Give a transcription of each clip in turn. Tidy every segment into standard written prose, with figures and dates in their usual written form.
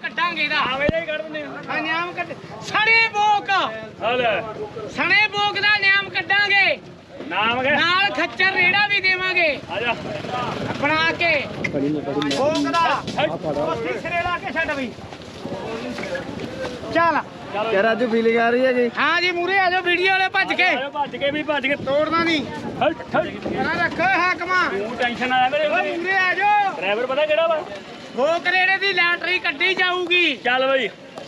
ਕੱਢਾਂਗੇ ਇਹਦਾ ਆਵੇ ਹੀ ਕੱਢ ਦਿੰਦੇ ਹਾਂ ਨਿਆਮ ਕੱਢ ਸਣੇ ਬੋਕ ਸਣੇ ਬੋਕ ਦਾ ਨਿਆਮ ਕੱਢਾਂਗੇ ਨਾਮ ਕੇ ਨਾਲ ਖੱਚਰ ਰੇੜਾ ਵੀ ਦੇਵਾਂਗੇ ਆ ਜਾ ਬਣਾ ਕੇ ਬੋਕ ਦਾ ਕੋਸੀ ਸਿਰੇ ਲਾ ਕੇ ਛੱਡ ਬਈ ਚੱਲ ਯਾਰ ਅੱਜ ਫੀਲਿੰਗ ਆ ਰਹੀ ਹੈ ਜੀ ਹਾਂ ਜੀ ਮੂਰੇ ਆ ਜਾਓ ਵੀਡੀਓ ਵਾਲੇ ਭੱਜ ਕੇ ਭੱਜ ਕੇ ਤੋੜਨਾ ਨਹੀਂ ਨਾ ਰੱਖੋ ਹਾਕਮਾ ਤੂੰ ਟੈਨਸ਼ਨ ਆਇਆ ਮੇਰੇ ਓਏ ਮੂਰੇ ਆ ਜਾਓ ਡਰਾਈਵਰ ਪਤਾ ਕਿਹੜਾ ਵਾ ਬੋਕ ਰੇੜੇ ਦੀ ਲੈਟਰੀ ਕੱਢੀ ਜਾਊਗੀ ਚੱਲ ਬਈ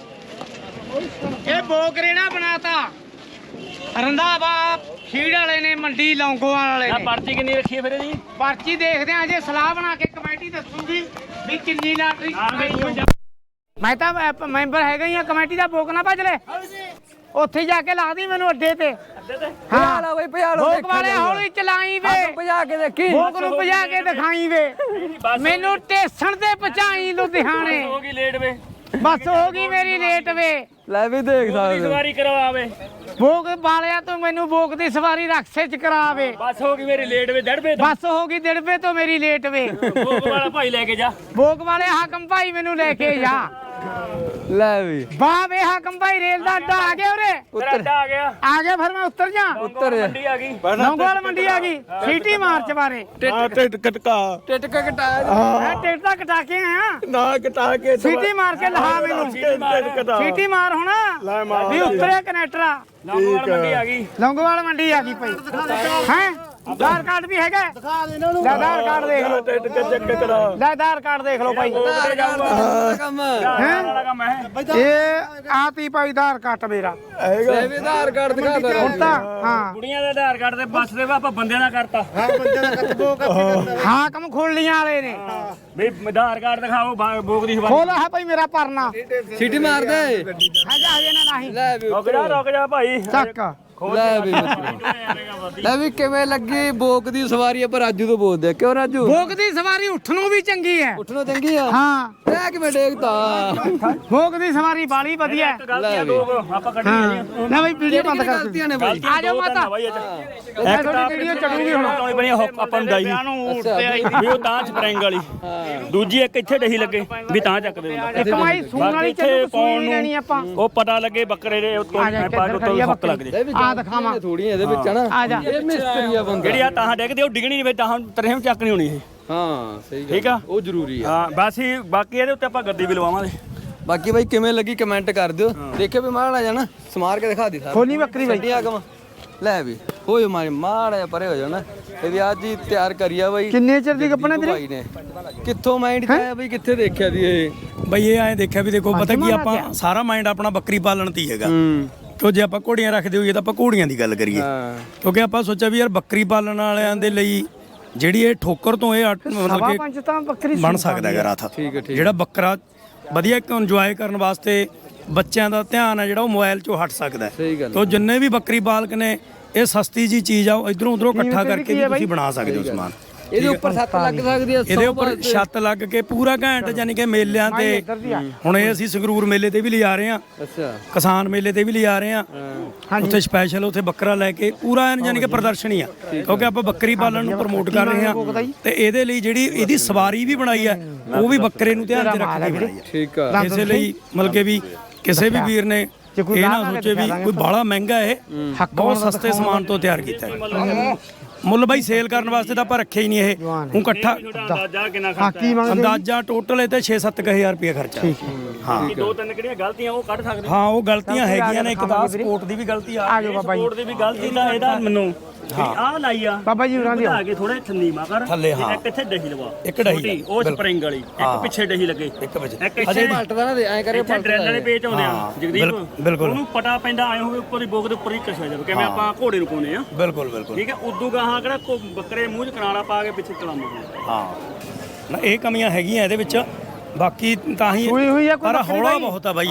ਇਹ ਬੋਕ ਰੇੜਾ ਬਣਾਤਾ ਰੰਧਾਵਾ ਖੀੜ ਵਾਲੇ ਨੇ ਮੰਡੀ ਲੌਂਗੋਵਾਲ ਵਾਲੇ ਆ ਨੇ ਪਰਚੀ ਕਿੰਨੀ ਰੱਖੀ ਹੈ ਫਿਰ ਜੀ ਪਰਚੀ ਦੇਖਦੇ ਆਂ ਜੇ ਸਲਾਹ ਬਣਾ ਕੇ ਕਮੇਟੀ ਦੱਸੂਗੀ ਵੀ ਕਿੰਨੀ ਲੈਟਰੀ ਮੈਂ ਤਾਂ ਮੈਂਬਰ ਹੈਗਾ ਹੀ ਆ ਕਮੇਟੀ ਦਾ ਬੋਕ ਨਾ ਭੱਜ ਲੈ ਉੱਥੇ ਜਾ ਕੇ ਲਾ ਦੀ ਮੈਨੂੰ ਅੱਡੇ ਤੇ ਭਜਾ ਲਾ ਬਈ ਭਜਾ ਲੋ ਬੋਕ ਵਾਲੇ ਹੌਲੀ ਚਲਾਈ ਵੇ ਭਜਾ ਕੇ ਦੇਖੀ ਬੋਕ ਨੂੰ ਭਜਾ ਕੇ ਦਿਖਾਈ ਵੇ ਮੈਨੂੰ ਟੇਸਣ ਤੇ ਪਹੁੰਚਾਈ ਲੁਧਿਆਣੇ ਹੋ ਗਈ ਲੇਟ ਵੇ ਬਸ ਹੋ ਗਈ ਮੇਰੀ ਲੇਟ ਵੇ ਲੈ ਵੀ ਦੇਖ ਸਕਦੇ ਸਵਾਰੀ ਕਰਵਾਵੇ ਬੋਕ ਵਾਲਿਆ ਤੂੰ ਮੈਨੂੰ ਬੋਕ ਦੀ ਸਵਾਰੀ ਰਕਸ਼ੇ ਚ ਕਰਾਵੇ ਬਸ ਹੋ ਗਈ ਮੇਰੀ ਲੇਟ ਵੇ ਡੜਵੇ ਬਸ ਹੋ ਗਈ ਦਿੜਬੇ ਤੋਂ ਮੇਰੀ ਲੇਟ ਵੇ ਭੋਗ ਵਾਲਾ ਭਾਈ ਲੈ ਕੇ ਜਾ ਬੋਕ ਵਾਲੇ ਹਾਕਮ ਭਾਈ ਮੈਨੂੰ ਲੈ ਕੇ ਜਾ ਲੈ ਵੀ ਵਾਹ ਵੇ ਹਾਕਮ ਭਾਈ ਰੇਲ ਦਾ ਅੱਡਾ ਆ ਗਿਆ ਉਰੇ ਉੱਤਰ ਆ ਗਿਆ ਆ ਗਿਆ ਫਿਰ ਮੈਂ ਉੱਤਰ ਜਾ ਉੱਤਰ ਜਾ ਮੰਡੀ ਆ ਗਈ ਲੌਂਗੋਵਾਲ ਮੰਡੀ ਆ ਗਈ ਸੀਟੀ ਮਾਰਚ ਬਾਰੇ ਟਿਕਟ ਕਟਾਇਆ ਮੈਂ ਟਿਕਟ ਤਾਂ ਕਟਾ ਕੇ ਆਇਆ ਨਾ ਕਟਾ ਕੇ ਸੀਟੀ ਮਾਰ ਕੇ ਲਹਾ ਮੈਨੂੰ ਸੀਟੀ ਮਾਰ ਹੁਣ ਵੀ ਉੱਤਰਿਆ ਕਨੈਕਟਰਾ ਲੌਂਗੋਵਾਲ ਮੰਡੀ ਆ ਗਈ ਲੌਂਗੋਵਾਲ ਮੰਡੀ ਆ ਗਈ ਭਾਈ ਹੈ ਆਧਾਰ ਕਾਰਡ ਵੀ ਹੈਗਾ ਲੈ ਆਧਾਰ ਕਾਰਡ ਦੇਖ ਲਓ ਲੈ ਆਧਾਰ ਕਾਰਡ ਦੇਖ ਲਓ ਭਾਈ ਕੰਮ ਵਾਲਾ ਕੰਮ ਹੈ ਇਹ ਆਤੀ ਭਾਈ ਆਧਾਰ ਕਾਰਡ ਮੇਰਾ ਲੈ ਵੀ ਆਧਾਰ ਕਾਰਡ ਦਿਖਾ ਦੇ ਹੁਣ ਤਾਂ ਹਾਂ ਕੁੜੀਆਂ ਦੇ ਆਧਾਰ ਕਾਰਡ ਤੇ ਬੱਸ ਦੇ ਆਪਾਂ ਬੰਦਿਆਂ ਦਾ ਕਰਤਾ ਹਾਕਮ ਖੋਲੀਆਂ ਵਾਲੇ ਨੇ ਵੀ ਆਧਾਰ ਕਾਰਡ ਦਿਖਾਓ ਬੋਕ ਦੀ ਸਵਾਰੀ ਖੋਲਾ ਹੈ ਭਾਈ ਮੇਰਾ ਪਰਨਾ ਸੀਟੀ ਮਾਰ ਦੇ ਹਜਾ ਹਜੇ ਨਾ ਨਹੀਂ ਲੈ ਵੀ ਰੁਕ ਜਾ ਭਾਈ ਚੱਕ ਲੈ ਵੀ ਲੈ ਵੀ ਕਿਵੇਂ ਲੱਗੀ ਬੋਕ ਦੀ ਸਵਾਰੀ ਪਰ ਰਾਜੂ ਤੋਂ ਬੋਲਦੇ ਆ। ਕਿਉਂ ਰਾਜੂ ਬੋਕ ਦੀ ਸਵਾਰੀ ਉੱਠਣ ਨੂੰ ਵੀ ਚੰਗੀ ਹੈ ਉੱਠਣੋਂ ਚੰਗੀ ਆ ਹਾਂ ਲੈ ਕਿਵੇਂ ਡੇਗਤਾ ਬੋਕ ਦੀ ਸਵਾਰੀ ਬਾਲੀ ਵਧੀਆ ਹੈ ਗਲਤੀਆਂ ਦੋ ਆਪਾਂ ਕੱਢੀਆਂ ਹਾਂ ਲੈ ਭਾਈ ਵੀਡੀਓ ਬੰਦ ਕਰ ਗਲਤੀਆਂ ਨੇ ਬਾਈ ਆ ਜਾਓ ਮਾਤਾ ਇੱਕ ਤਾਂ ਵੀਡੀਓ ਚੜੂਗੀ ਹੁਣ ਲਾਉਣੀ ਬਣੀ ਆਪਾਂ ਨੂੰ ਦਾਈ ਵੀ ਉਹ ਤਾਂ ਸਪਰਿੰਗ ਵਾਲੀ ਦੂਜੀ ਇੱਕ ਇੱਥੇ ਡਹੀ ਲੱਗੇ ਵੀ ਤਾਂ ਚੱਕਦੇ ਹੁੰਦਾ ਇੱਕ ਮਾਈ ਸੂਣ ਵਾਲੀ ਚੱਲੂ ਸੂਣ ਲੈਣੀ ਆਪਾਂ ਉਹ ਪਤਾ ਲੱਗੇ ਬੱਕਰੇ ਦੇ ਉੱਤੋਂ ਪਾ ਕੇ ਉੱਤੋਂ ਹੁੱਕ ਲੱਗ ਜੇ ਆ ਦਿਖਾਵਾਂ ਥੋੜੀਆਂ ਇਹਦੇ ਵਿੱਚ ਹਨਾ ਆ ਜਾ ਇਹ ਮਿਸਤਰੀ ਆ ਬੰਦਾ ਜਿਹੜੀ ਆ ਤਾਂ ਡਿੱਗਦੀ ਉਹ ਡਿੱਗਣੀ ਨਹੀਂ ਵੇ ਤਾਂ ਤਰੇਮ ਚੱਕਣੀ ਹੋਣੀ ਇਹ ਹਾਂ ਸਹੀ ਗੱਲ ਠੀਕ ਆ ਉਹ ਜ਼ਰੂਰੀ ਆ ਹਾਂ ਬਸ ਹੀ ਬਾਕੀ ਇਹਦੇ ਉੱਤੇ ਆਪਾਂ ਗੱਦੀ ਵੀ ਲਵਾਵਾਂਗੇ ਬਾਕੀ ਬਾਈ ਕਿਵੇਂ ਲੱਗੀ ਕਮੈਂਟ ਕਰ ਦਿਓ ਦੇਖਿਓ ਵੀ ਮਾੜਾ ਜਾਣਾ ਸਮਾਰ ਕੇ ਦਿਖਾ ਦੀ ਸਾਰਾ ਖੋਲੀ ਬੱਕਰੀ ਬਾਈ ਛੱਡੀ ਆਗਮ ਲੈ ਵੀ ਹੋ ਜਾ ਮਾੜਾ ਜਿਹਾ ਪਰੇ ਹੋ ਜਾਣਾ ਇਹ ਵੀ ਅੱਜ ਹੀ ਤਿਆਰ ਕਰੀਆ ਬਾਈ ਕਿੰਨੇ ਚਿਰ ਦੀ ਕੱਪਣਾ ਤੇਰੇ ਭਾਈ ਨੇ ਕਿੱਥੋਂ ਮਾਈਂਡ ਚ ਆਇਆ ਬਾਈ ਕਿੱਥੇ ਦੇਖਿਆ ਦੀ ਇਹ ਬਈ ਇਹ ਐਂ ਦੇਖਿਆ ਵੀ ਦੇਖੋ ਪਤਾ ਕੀ ਆਪਾਂ ਸਾਰਾ ਮਾਈਂਡ ਆਪਣਾ ਬੱਕਰੀ ਪਾਲਣ ਤੇ ਹੀ ਹੈਗਾ ਕਿਉਂ ਜੇ ਆਪਾਂ ਘੋੜੀਆਂ ਰੱਖਦੇ ਹੋਈਏ ਤਾਂ ਆਪਾਂ ਘੋੜੀਆਂ ਦੀ ਗੱਲ ਕਰੀਏ ਕਿਉਂਕਿ ਆਪਾਂ ਸੋਚਿਆ ਵੀ ਯਾਰ ਬੱਕਰੀ ਪਾਲਣ ਵਾਲਿਆਂ ਦੇ ਲਈ ਜਿਹੜੀ ਇਹ ਠੋਕਰ ਤੋਂ ਇਹ ਮਤਲਬ ਕਿ ਪੰਜ ਤਾਂ ਬੱਕਰੀ ਬਣ ਸਕਦਾ ਹੈਗਾ ਰਾਥ ਜਿਹੜਾ ਬੱਕਰਾ ਵਧੀਆ ਇੱਕ ਇੰਜੋਏ ਕਰਨ ਵਾਸਤੇ ਬੱਚਿਆਂ ਦਾ ਧਿਆਨ ਹੈ ਜਿਹੜਾ ਉਹ ਮੋਬਾਈਲ 'ਚੋਂ ਹਟ ਸਕਦਾ ਹੈ ਤੋਂ ਜਿੰਨੇ ਵੀ ਬੱਕਰੀ ਪਾਲਕ ਨੇ ਇਹ ਸਸਤੀ ਜੀ ਚੀਜ਼ ਆ ਇਧਰੋਂ ਉਧਰੋਂ ਇਕੱਠਾ ਕਰਕੇ ਵੀ ਤੁਸੀਂ ਬਣਾ ਸਕਦੇ ਹੋ ਸਮਾਨ ਇਹਦੇ ਉੱਪਰ ਛੱਤ ਲੱਗ ਸਕਦੀ ਹੈ ਇਹਦੇ ਉੱਪਰ ਛੱਤ ਲੱਗ ਕੇ ਪੂਰਾ ਘੈਂਟ ਯਾਨੀ ਕਿ ਮੇਲਿਆਂ ਤੇ ਹੁਣ ਇਹ ਅਸੀਂ ਸੰਗਰੂਰ ਮੇਲੇ ਤੇ ਵੀ ਲਿਜਾ ਰਹੇ ਹਾਂ ਅੱਛਾ ਕਿਸਾਨ ਮੇਲੇ ਤੇ ਵੀ ਲਿਜਾ ਰਹੇ ਹਾਂ ਉੱਥੇ ਸਪੈਸ਼ਲ ਉੱਥੇ ਬੱਕਰਾ ਲੈ ਕੇ ਪੂਰਾ ਯਾਨੀ ਕਿ ਪ੍ਰਦਰਸ਼ਨੀ ਆ ਕਿਉਂਕਿ ਆਪਾਂ ਬੱਕਰੀ ਪਾਲਣ ਨੂੰ ਪ੍ਰਮੋਟ ਕਰ ਰਹੇ ਹਾਂ ਤੇ ਇਹਦੇ ਲਈ ਜਿਹੜੀ ਇਹਦੀ ਸਵਾਰੀ ਵੀ ਬਣਾਈ ਆ ਉਹ ਵੀ ਬੱਕਰੇ ਨੂੰ ਧਿਆਨ 'ਚ ਰੱਖ ਕੇ ਬਣਾਈ ਆ ਠੀਕ ਆ ਇਸੇ ਲਈ ਮਤਲਬ ਕਿ ਵੀ ਕਿਸੇ ਵੀ ਵੀਰ ਨੇ ਇਹ ਨਾ ਸੋਚੇ ਵੀ ਕੋਈ ਬਾਹਲਾ ਮਹਿੰਗਾ ਇਹ ਬਹੁਤ ਸਸਤੇ ਸਮਾਨ ਤੋਂ ਤਿਆਰ ਕੀਤਾ ਹੈ ਮੁੱਲ ਬਾਈ ਸੇਲ ਕਰਨ ਵਾਸਤੇ ਤਾਂ ਆਪਾਂ ਰੱਖਿਆ ਹੀ ਨਹੀਂ ਇਹ ਉਹ ਇਕੱਠਾ ਅੰਦਾਜ਼ਾ ਕਿੰਨਾ ਹਾਕੀ ਮੰਗਦੇ ਅੰਦਾਜ਼ਾ ਟੋਟਲ ਇਹ ਤੇ 6-7 ਰੁਪਏ ਖਰਚਾ ਹਾਂ ਦੋ ਤਿੰਨ ਕਿਹੜੀਆਂ ਗਲਤੀਆਂ ਉਹ ਕੱਢ ਸਕਦੇ ਹਾਂ ਉਹ ਗਲਤੀਆਂ ਹੈਗੀਆਂ ਨੇ ਇੱਕ ਤਾਂ ਸਪੋਰਟ ਦੀ ਵੀ ਗਲਤੀ ਆ ਆ ਜਾਓ ਬਾਬਾ ਜੀ ਸਪੋਰਟ ਦੀ ਵੀ ਗਲਤੀ ਤਾਂ ਇਹਦਾ ਮੈਨੂੰ ਆਹ ਲਾਈ ਆ ਬਾਬਾ ਜੀ ਉਰਾਂ ਦੀ ਆ ਕੇ ਥੋੜੇ ਥੰਨੀ ਮਾ ਕਰ ਥੱਲੇ ਹਾਂ ਇੱਕ ਇੱਥੇ ਡਹੀ ਲਵਾ ਇੱਕ ਡਹੀ ਛੋਟੀ, ਉਹ ਸਪਰਿੰਗ ਵਾਲੀ ਇੱਕ ਪਿੱਛੇ ਡਹੀ ਲੱਗੇ ਇੱਕ ਵਜੇ ਇੱਕ ਇੱਥੇ ਪਲਟਦਾ ਨਾ ਐ ਕਰੇ ਇੱਥੇ ਡਰੈਲ ਵਾਲੇ ਪੇਚ ਆਉਂਦੇ ਆ ਜਗਦੀਪ ਬਿਲਕੁਲ ਉਹਨੂੰ ਪਟਾ ਪੈਂਦਾ ਆਏ ਹੋਵੇ ਉੱਪਰ ਦੀ ਬੋਗ ਦੇ ਉੱਪਰ ਹੀ ਕਸਿਆ ਜਾਵੇ ਕਿਵੇਂ ਆਪਾਂ ਘੋੜੇ ਨੂੰ ਪਾਉਂਦੇ ਆ ਬਿਲਕੁਲ ਠੀਕ ਹੈ ਉਦੋਂ ਗਾਹਾਂ ਕਿਹੜਾ ਬੱਕਰੇ ਮੂੰਹ 'ਚ ਕਨਾਲਾ ਪਾ ਕੇ ਪਿੱਛੇ ਚਲਾਉਂਦੇ ਹਾਂ ਨਾ ਇਹ ਕਮੀਆਂ ਹੈਗੀਆਂ ਇਹਦੇ ਵਿੱਚ ਬਾਕੀ ਤਾਂ ਹੀ ਹੋਈ ਹੋਈ ਆ ਕੋਈ ਪਰ ਬੱਕਰੀ ਹੌਲਾ ਬਾਈ? ਬਹੁਤ ਆ ਬਾਈ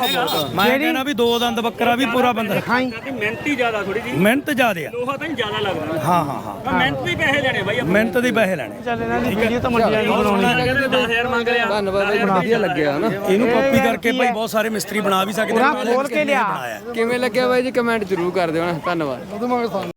ਇਹ ਮੈਂ ਕਹਿੰਦਾ ਵੀ 2 ਦੰਦ ਬੱਕਰਾ ਵੀ ਪੂਰਾ ਬੰਦਾ ਖਾਈ ਕਿ ਮਿਹਨਤ ਹੀ ਜ਼ਿਆਦਾ ਥੋੜੀ ਜੀ ਮਿਹਨਤ ਜ਼ਿਆਦੇ ਆ ਲੋਹਾ ਤਾਂ ਜ਼ਿਆਦਾ ਲੱਗਦਾ ਹਾਂ ਹਾਂ ਹਾਂ ਤਾਂ ਮਿਹਨਤ ਦੇ ਪੈਸੇ ਲੈਣੇ ਬਾਈ ਆਪਾਂ ਮਿਹਨਤ ਦੇ ਪੈਸੇ ਲੈਣੇ ਚੱਲ ਇਹਨਾਂ ਦੀ ਵੀਡੀਓ ਤਾਂ ਮੰਡੀਆਂ ਨੂੰ ਬਣਾਉਣੀ ਕਹਿੰਦੇ 10000 ਮੰਗ ਲਿਆ ਧੰਨਵਾਦ ਬਾਈ ਵਧੀਆ ਲੱਗਿਆ ਹਨਾ ਇਹਨੂੰ ਕਾਪੀ ਕਰਕੇ ਭਾਈ ਬਹੁਤ ਸਾਰੇ ਮਿਸਤਰੀ ਬਣਾ ਵੀ ਸਕਦੇ ਪੂਰਾ ਖੋਲ ਕੇ ਲਿਆ ਕਿਵੇਂ ਲੱਗਿਆ ਬਾਈ ਜੀ ਕਮੈਂਟ ਜ਼ਰੂਰ ਕਰ ਦਿਓ ਨਾ ਧੰਨਵਾਦ